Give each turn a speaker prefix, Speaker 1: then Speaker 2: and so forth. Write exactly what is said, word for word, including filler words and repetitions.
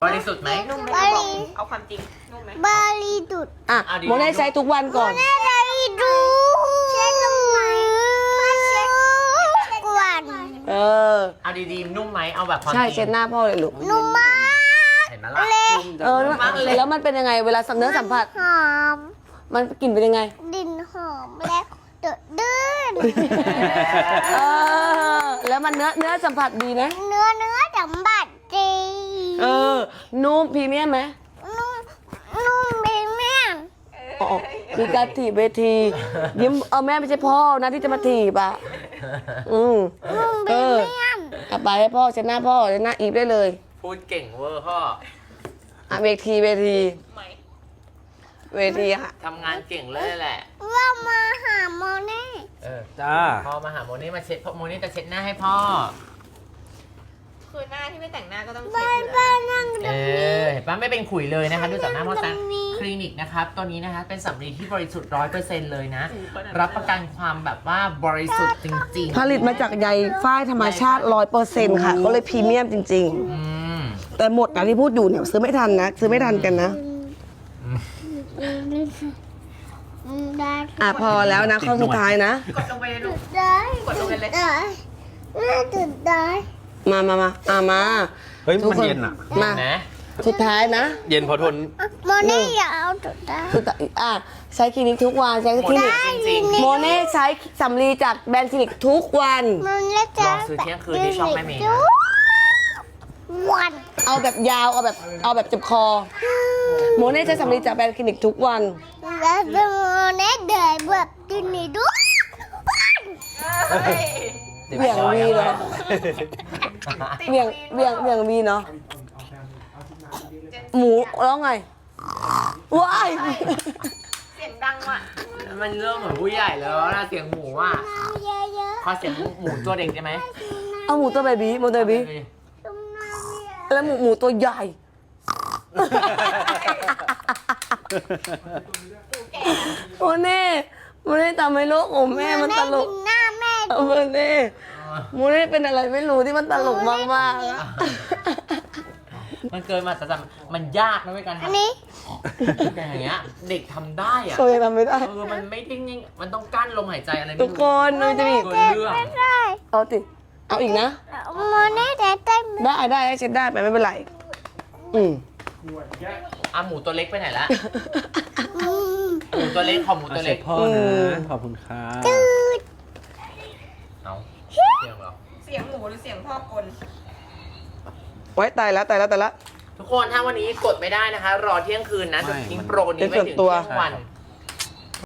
Speaker 1: บริสุทธิ์ไหม
Speaker 2: นุ่มไหม
Speaker 3: บ
Speaker 2: บอก
Speaker 3: ริ
Speaker 2: เอาความจริงนุ่มไหม
Speaker 3: บริสุทธิ์
Speaker 4: อ่ะโมเน่ใช้ทุกวันก่อน
Speaker 3: บริสุทธิ์เช็ดทำไมเช็ดกวน
Speaker 4: เออ
Speaker 1: เอาดีๆนุ่มไหมเอาแบบความจ
Speaker 4: ใช่
Speaker 1: ริง
Speaker 4: เช็ดหน้าพ่อเลยลูก
Speaker 3: นุ่มมาก
Speaker 1: เห็นไหมล่ะ
Speaker 4: เออแล้วมันเป็นยังไงเวลาเนื้อสัมผัส
Speaker 3: หอม
Speaker 4: มันกลิ่นเป็นยังไง
Speaker 3: ดินหอมและเดือดดื้น
Speaker 4: เออ แล้วมันเนื้อเนื้อสัมผัสดีนะ
Speaker 3: เนื้อเนื้อสัมบัติดี
Speaker 4: เออ นุ่มพรีเมียมไหม
Speaker 3: นุ่มนุ่มเบเมียน
Speaker 4: อ๋อคือการถีบเวทียิ้มเอาแม่ไม่ใช่พ่อนะที่จะมาถีบอ่ะ อืม
Speaker 3: นุ่มเบ
Speaker 4: เออ
Speaker 3: เมียน
Speaker 4: กลับไปให้พ่อเช็ดหน้าพ่อเช็ดหน้าอีฟได้เลย
Speaker 1: พูดเก่งเวอร์พ่อ
Speaker 4: อ่ะเวทีเวที
Speaker 2: ไหม
Speaker 4: เวทีค่ะ
Speaker 1: ทำงานเก่งเลยแหละ
Speaker 3: ว่ามาหาโมเน่
Speaker 1: เออ
Speaker 5: จ้า
Speaker 1: พ่อมาหาโมนี่มาเช็ดพ่อโมนี่จะเช็ดหน้าให้พ่อ
Speaker 2: คือหน้าที่ไม่แต่งหน้าก็ต้องเช็
Speaker 3: บ้า
Speaker 2: ด
Speaker 3: น
Speaker 2: อยู่
Speaker 3: บ้า
Speaker 2: แล้ว
Speaker 3: นนั่ง
Speaker 1: เออเห็นปะไม่เป็นขุยเลยนะคะดูจากหน้าพ่อแซมคลินิกนะครับตัวนี้นะคะเป็นสำลีที่บริสุทธิ์ร้อยเปอร์เซ็นต์เลยนะ รับประกันความแบบว่าบริสุทธิ์จริงๆ
Speaker 4: ผลิตมาจากใยฝ้ายธรรมชาติร้อยเปอร์เซ็นต์ค่ะ ก็เลยพรีเมียมจริง
Speaker 1: อืม
Speaker 4: ๆ แต่หมดนะที่พูดอยู่เนี่ยซื้อไม่ทันนะ ซื้อไม่ทันกันนะ
Speaker 3: ได้
Speaker 4: อ่ะพอแล้วนะข้อสุดท้ายนะ
Speaker 2: กดลงไปเลยลูก
Speaker 3: ได้
Speaker 2: กดลงไปเลย
Speaker 3: ได้น่าจะได้
Speaker 4: มามามาอ่ะมา
Speaker 5: เฮ้ย
Speaker 4: ทุก
Speaker 5: มัน
Speaker 4: คน
Speaker 5: เย็นอ่ะ
Speaker 4: มา
Speaker 1: นะ
Speaker 4: สุดท้ายนะ
Speaker 5: เย็นพอทน
Speaker 3: โมเน่อย่าเอาจุดได้
Speaker 4: สุดท้ายอ่ะใช้คลินิกทุกวันใช้คลินิก
Speaker 1: จริง
Speaker 4: โมเน่ใช้สำลีจากแบรนด์คลินิกทุกวัน
Speaker 3: มันเล็ก
Speaker 1: ๆลองซื้อเที่ยงคืนที่ช่องแม่เมย์นะ
Speaker 3: วัน
Speaker 4: เอาแบบยาวเอาแบบเอาแบบเจ็บคอ โมเน่ใช้สำลีจากแบรนด์คลินิกทุกวัน
Speaker 3: แล้วโมเน่เดินแบบดินนี่ด้วย
Speaker 4: เหวี่ยงวีเนาะเหวี่ยงเหวี่ยงเหวี่ยงวีเนาะหมูแล้วไงว้าย
Speaker 2: เสียงดังว่ะ
Speaker 1: มันเริ่มเหมือนผู้ใหญ่แล้วนะเสียงหมูอ่ะ
Speaker 3: น้ำเยอะ
Speaker 1: ขอเสียงหมูตัวเด็กได้ไหม
Speaker 4: เอาหมูตัวเบบี้หมูตัวเบบี้
Speaker 3: ๆต้มน้ำเยอะ
Speaker 4: แล้วหมูหมูตัวใหญ่ โมเน่โมเน่ทำให้โลกของแม่มันตลก
Speaker 3: หน้าแม่
Speaker 4: โมเน่โมเน่เป็นอะไรไม่รู้ที่มันตลกมากๆอะ
Speaker 1: มันเกินมาแต่มันยากนะเว้ยการ
Speaker 3: อัน
Speaker 1: ทำ
Speaker 3: นี้
Speaker 1: แต่อย่างเงี้ยเด็กทำได้อะ
Speaker 4: โซยังทำไม่ได้
Speaker 1: เออมันไม่ทิ้งมันต้องกั้นลมหายใจอะไรไม่
Speaker 4: ทุก
Speaker 1: รู้
Speaker 4: คนมันจะมีอีก
Speaker 1: เกินเรื่อง
Speaker 3: ไม่ได้
Speaker 4: เอาติเอาอีกนะ
Speaker 3: โมเน่แต่เต้น
Speaker 4: ได้ได้ให้เช็ดได้ไปไม่เป็นไร อืม
Speaker 1: อ่ะหมูตัวเล็กไปไหนละ
Speaker 3: อืม
Speaker 1: หมูตัวเล็กขอหมู
Speaker 5: เอา
Speaker 1: ตัว
Speaker 5: เสร็
Speaker 1: เล็
Speaker 5: จ
Speaker 1: ก
Speaker 5: พ่อ
Speaker 4: อืม
Speaker 5: นะ ขอบคุณค่ะ
Speaker 3: จืด
Speaker 1: เอาเสียงเหรอ
Speaker 2: เสียงหมูหรือเสียงพ่อกล
Speaker 4: ไว้ตายแล้วตายแล้วตายแล้ว
Speaker 1: ทุกคนถ้าวันนี้กดไม่ได้นะคะ รอเที่ยงคืนนะจะทิ้งโปรนี้ไว้ถึง
Speaker 4: เป็นส่วนตัว
Speaker 1: เที่ยงวัน
Speaker 5: ใช่ครับ